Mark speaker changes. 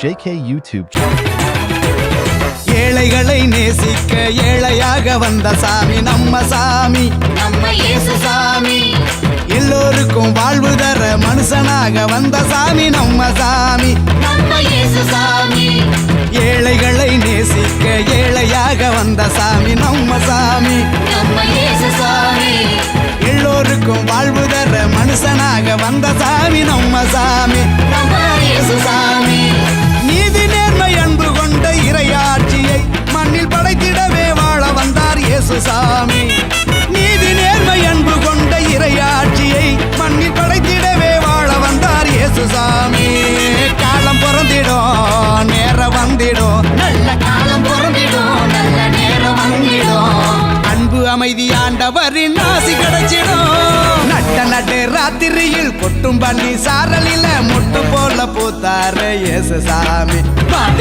Speaker 1: JK YouTube channel.
Speaker 2: ஏழைகளை நேசிக்க ஏழையாக வந்த சாமி நம்ம சாமி,
Speaker 3: நம்ம இயேசு சாமி.
Speaker 2: எல்லோருக்கும் வாழ்வு தர மனுஷனாக வந்த சாமி நம்ம சாமி,
Speaker 3: நம்ம இயேசு சாமி.
Speaker 2: ஏழைகளை நேசிக்க ஏழையாக வந்த சாமி நம்ம சாமி,
Speaker 3: நம்ம இயேசு சாமி.
Speaker 2: எல்லோருக்கும் வாழ்வு தர மனுஷனாக வந்த சாமி நம்ம சாமி,
Speaker 3: நம்ம இயேசு சாமி.
Speaker 2: நீதி நேர்மை அன்பு கொண்ட இறையாட்சியை மண்ணில் படைத்திடவே வாழ வந்தார் இயேசு சாமி. நீதி நேர்மை அன்பு கொண்ட இறையாட்சியை மண்ணில் படைத்திடவே வாழ வந்தார் இயேசு சாமி. காலம் பிறந்திடும் நேரம் வந்திடும்,
Speaker 3: நல்ல காலம் பிறந்திடும், நல்ல நேரம் வந்திடும்.
Speaker 2: அன்பு அமைதி ஆண்டவரின் ஆசி கிடைச்சிடும். நட்ட நட்டு ராத்திரியில் கொட்டும் பண்ணி சாரலில முட்டு போல பூத்தாரு இயேசு சாமி.
Speaker 3: வான